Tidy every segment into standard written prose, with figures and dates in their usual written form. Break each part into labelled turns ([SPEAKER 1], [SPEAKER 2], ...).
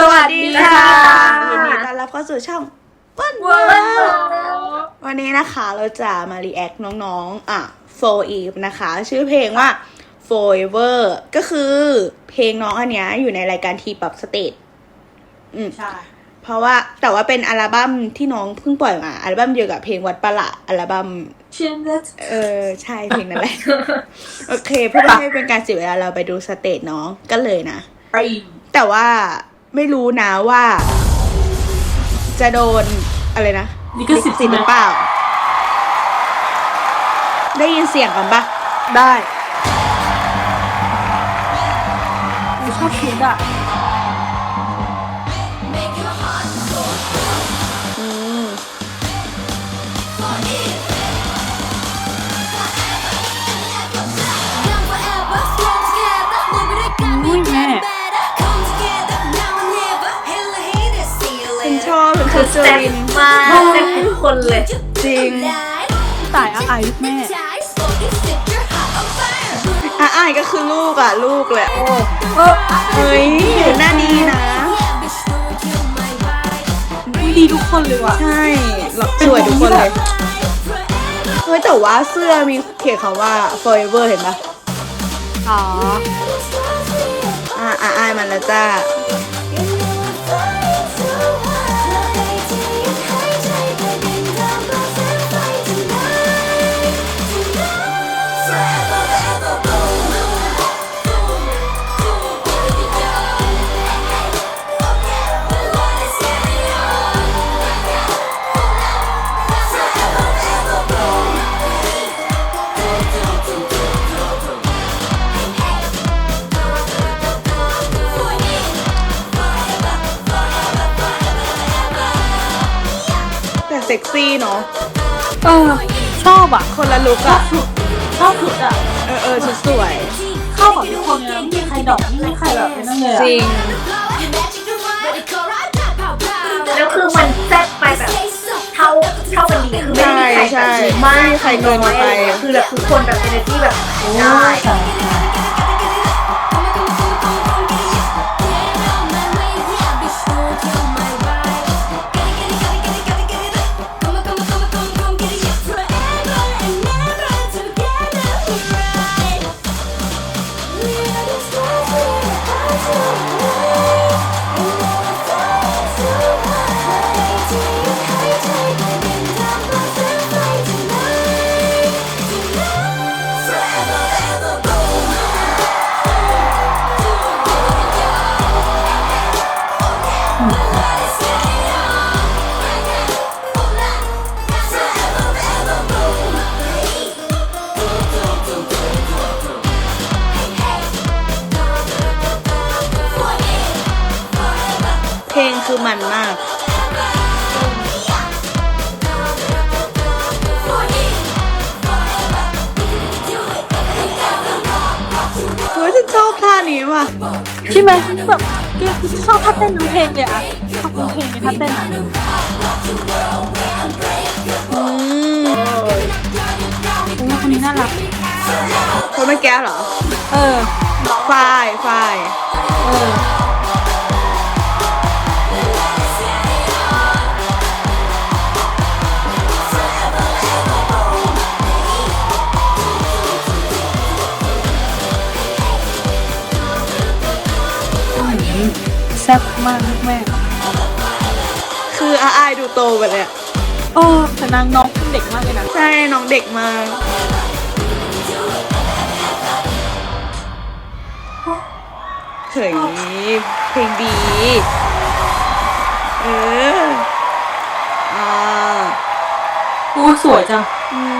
[SPEAKER 1] วัสดีค่ะ
[SPEAKER 2] ยินดีต้อนรับเข้าสู่ช่องเปิ้ลวันนี้นะคะเราจะมารีแอคน้องๆFor Eve นะคะ ชื่อเพลงว่า Forever ก็คือเพลงน้องอันเนี้ยอยู่ในรายการทีป๊อปสเตจ
[SPEAKER 1] ใช่
[SPEAKER 2] เพราะว่าแต่ว่าเป็นอัลบั้มที่น้องเพิ่งปล่อยมาอัลบั้มเดียวกับเพลงวัดประหลาดอัลบั้มใช่เพลงนั้นแหละ โอเคเพื่อไม่ให้เป็นการเสียเวลาเราไปดูสเตจน้องกันเลยนะแต่ว่าไม่รู้นะว่าจะโดนอะไรนะ
[SPEAKER 1] ลิขสิทธิ์
[SPEAKER 2] หรือเปล่าได้ยินเสียงกันปะ
[SPEAKER 1] ได้ชอบชุดอ่ะแม่
[SPEAKER 2] เป็นชอบเจอริน
[SPEAKER 3] มากแต่ทุกคนเลย
[SPEAKER 2] จริง
[SPEAKER 1] ตายอายแม่
[SPEAKER 2] อายก็คือลูกลูกแหละเฮ้ยหน้าดีนะ
[SPEAKER 1] ดีทุกคนเลยว่ะ
[SPEAKER 2] ใช่สวยทุกคนเลยเฮ้ยแต่ว่าเสื้อมีเขียนคำว่า forever เห็นปะ
[SPEAKER 1] อ๋อ
[SPEAKER 2] อายมันแล้วจ้าเซ็กซี่เนาะ
[SPEAKER 1] ชอบอ่ะ
[SPEAKER 2] คนละลุก
[SPEAKER 1] ชอบสุดอ่ะ
[SPEAKER 2] ชุดสวย
[SPEAKER 1] เข้ากับทุกคนเลยไม่มีใครดอกไม่มีใครแบบนั่นเลย
[SPEAKER 2] จริง
[SPEAKER 3] แล้วคือมันแซ่บไปแบบเท่ากันดีคือไม่มีใคร
[SPEAKER 2] ไม่มีใครเกินไป
[SPEAKER 3] คือแบบทุกคนแบบเอเนอร์จี้แบบได้
[SPEAKER 2] เพลงคือมันมากเฮ้ยฉันชอบท่านี้ว่ะ
[SPEAKER 1] ใช่ไหมแบบชอบท่าเต้นทั้งเพลงเลยอ่ะชอบทั้งเพลงเลยท่าเต้นอ่ะคนนี้น่ารัก
[SPEAKER 2] คนเมื่อกี้เหรอฝ้าย
[SPEAKER 1] แซ่บมากแม่
[SPEAKER 2] คืออายดูโตไปเลย
[SPEAKER 1] แต่น้องเด็กมากเลยนะ
[SPEAKER 2] ใช่น้องเด็กมากเฮ้ยเพลงดี
[SPEAKER 1] สวยจัง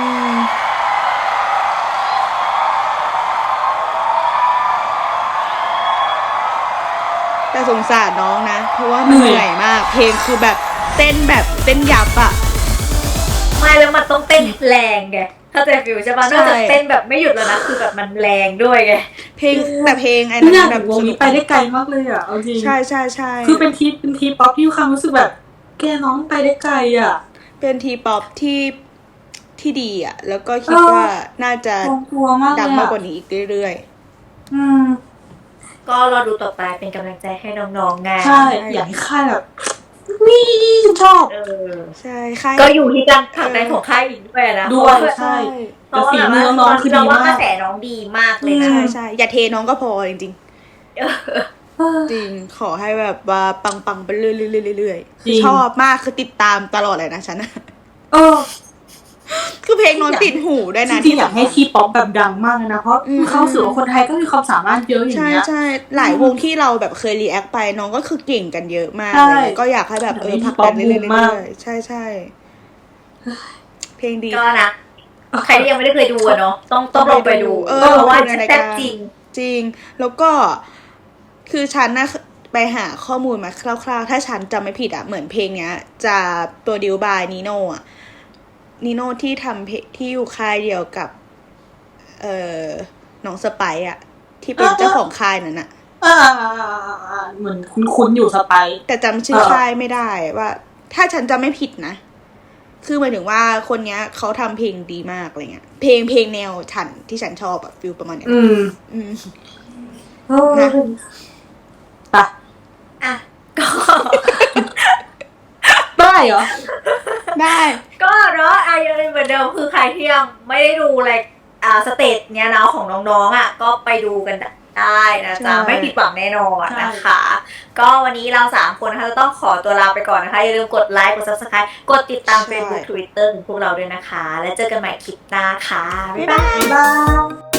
[SPEAKER 2] แต่สงสารน้องนะเพราะว่ามันเหนื่อยมากเพลงคือแบบเต้นยับ
[SPEAKER 3] ไม่แล้วมันต้องเต้นแรงไงถ้าจะฟิวใช่ป่ะนอกจากเต้นแบบไม่หยุดแล้วนะคือแบบมันแรงด้วยไง
[SPEAKER 2] เพลงไอ้
[SPEAKER 1] นั่นแบบวงนี้ไปได้ไกลมากเลยอ่ะเอาจริง
[SPEAKER 2] ใช่
[SPEAKER 1] คือเป็นทีป๊อปที่ความรู้สึกแบบแกน้องไปได้ไกลอ่ะ
[SPEAKER 2] เป็นทีป๊อปที่ดีอ่ะแล้วก็คิดว่าน่าจะดังมากกว่านี้อีกเรื่อย
[SPEAKER 1] ๆ
[SPEAKER 3] ก็รอดูต่อไปเป็นกำลังใจให้น้องๆไง
[SPEAKER 1] ใช่อยากให้ค่ายแบบนี่ฉันชอบ
[SPEAKER 2] ใช่ค่ะ
[SPEAKER 3] ก็อยู่ที่การผลักดันของค่ายอีกด้วยนะ
[SPEAKER 1] ด้วยใช่แต่ฝีมือน้องคือดี
[SPEAKER 3] เราว่าม
[SPEAKER 1] าก
[SPEAKER 3] ระแสน้องดีมากเลยนะ
[SPEAKER 2] ใช่อย่าเทน้องก็พอจริงๆจริงขอให้แบบว่าปังๆไปเรื่อยๆคือชอบมากคือติดตามตลอดเลยนะฉัน คือเพลงน้องติดหูด้วยนะ
[SPEAKER 1] จริงๆอยากให้ทีป๊อปแบบดังมากนะเพราะเขาสื่อว่าคนไทยก็มีความสามารถเยอะอย่างเงี้ย
[SPEAKER 2] ใช่หลายวงที่เราแบบเคยรีแอคไปน้องก็คือเก่งกันเยอะมาก
[SPEAKER 1] ใช่
[SPEAKER 2] เลยก็อยากให้แบบผลักดันเรื่อยๆใช่เพลงดี
[SPEAKER 3] ก็นะใครที่ยังไม่ได้เคยดูอะเนาะต้องลองไปดูเพราะว่าแซ่บจริง
[SPEAKER 2] จริงแล้วก็คือฉันนะไปหาข้อมูลมาคร่าวๆถ้าฉันจำไม่ผิดอะเหมือนเพลงเนี้ยจะโปรดิวบายนีโน่อะนีโน่ที่ทำเพลงที่อยู่ค่ายเดียวกับน้องสไปซ์อะที่เป็นเจ้าของค่ายนั้นอะ
[SPEAKER 1] เหมือนคุ้นๆอยู่สไปซ์
[SPEAKER 2] แต่จำชื่อค่ายไม่ได้ว่า ถ้าฉันจำไม่ผิดนะคือหมายถึงว่าคนเนี้ยเขาทำเพลงดีมากอะไรเงี้ยเพลงแนวฉันที่ฉันชอบอะฟิลประมาณเนี้ยนะ
[SPEAKER 1] ปะ
[SPEAKER 3] อ่ะก็
[SPEAKER 1] ได้เหรอ
[SPEAKER 2] ได้
[SPEAKER 3] ก็เนาะยังเหมือนเดิมคือใครที่ยังไม่ได้ดูอะไรสเตจเนี้ยเนาะของน้องๆอ่ะก็ไปดูกันได้นะจ๊ะไม่ผิดหวังแน่นอนนะคะ ก็วันนี้เรา3คนนะคะจะต้องขอตัวลาไปก่อนนะคะอย่าลืมกดไลค์กด Subscribe กดติดตาม Facebook Twitter ของพวกเราด้วยนะคะแล้วเจอกันใหม่คลิปหน้าค่ะบ๊ายบาย
[SPEAKER 1] บ๊ายบาย